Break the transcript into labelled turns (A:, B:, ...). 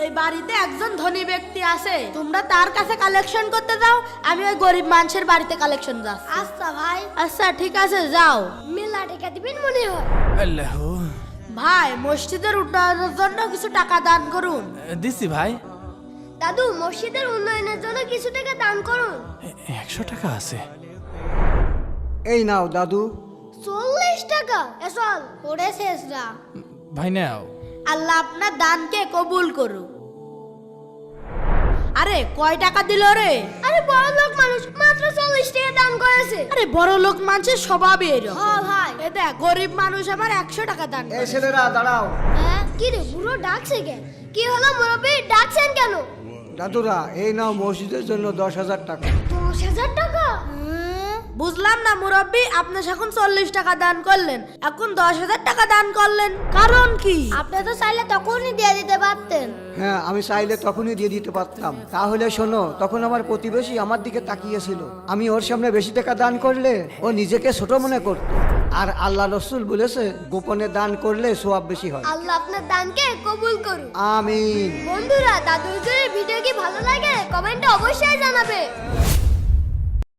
A: এই বাড়িতে একজন ধনী ব্যক্তি আছে, তোমরা তার কাছে কালেকশন করতে যাও, আমি ওই গরিব মানুষের বাড়িতে কালেকশন যাচ্ছি।
B: আচ্ছা ভাই,
A: আচ্ছা ঠিক আছে, যাও।
B: মেলা টাকা দিবেন মনে হয়।
C: আল্লাহ,
A: ভাই মসজিদের উন্নয়নের জন্য কিছু টাকা দান করুন।
C: দিছি ভাই।
B: দাদু, মসজিদের উন্নয়নের জন্য কিছু টাকা দান করুন।
C: 100 টাকা আছে।
D: এই নাও দাদু।
B: 40 টাকা এসল ওরে শেষরা।
C: ভাই নাও।
A: আল্লাহ আপনার দানকে কবুল করুক। আরে কয় টাকা দিল রে?
B: আরে বড় লোক মানুষ মাত্র 40 টাকা দান করেছে।
A: আরে বড় লোক মানুষের স্বভাবই এরকম।
B: হ্যাঁ ভাই।
A: এ দেখ, গরিব মানুষ আমার 100 টাকা দান
D: এই
A: করেছে।
D: ছেলেরা দাঁড়াও।
B: হ্যাঁ, কি রে বুড়ো ডাকছে কেন? কি হলো মুরব্বি, ডাকছেন কেন?
D: দাদুরা, এই নাও মসজিদের জন্য 10,000 টাকা।
B: 10,000 টাকা?
A: বুঝলাম না মুরব্বি, আপনি যখন 40 টাকা দান করলেন, এখন 10,000 টাকা দান করলেন, কারণ কি?
B: আপনি তো চাইলে তখনই দিয়ে দিতে পারতেন।
D: হ্যাঁ, আমি চাইলে তখনই দিয়ে দিতে পারতাম। তাহলে শোনো, তখন আমার প্রতিবেশী আমার দিকে তাকিয়েছিল। আমি ওর সামনে বেশি টাকা দান করলে ও নিজেকে ছোট মনে করত। আর আল্লাহ রসুল বলেছে, গোপনে দান করলে সওয়াব বেশি হয়।
B: আল্লাহ আপনার দানকে কবুল করুন।
D: আমিন।
B: বন্ধুরা, দাদু হুজুরের ভিডিও কি ভালো লাগে? কমেন্টে অবশ্যই জানাবে।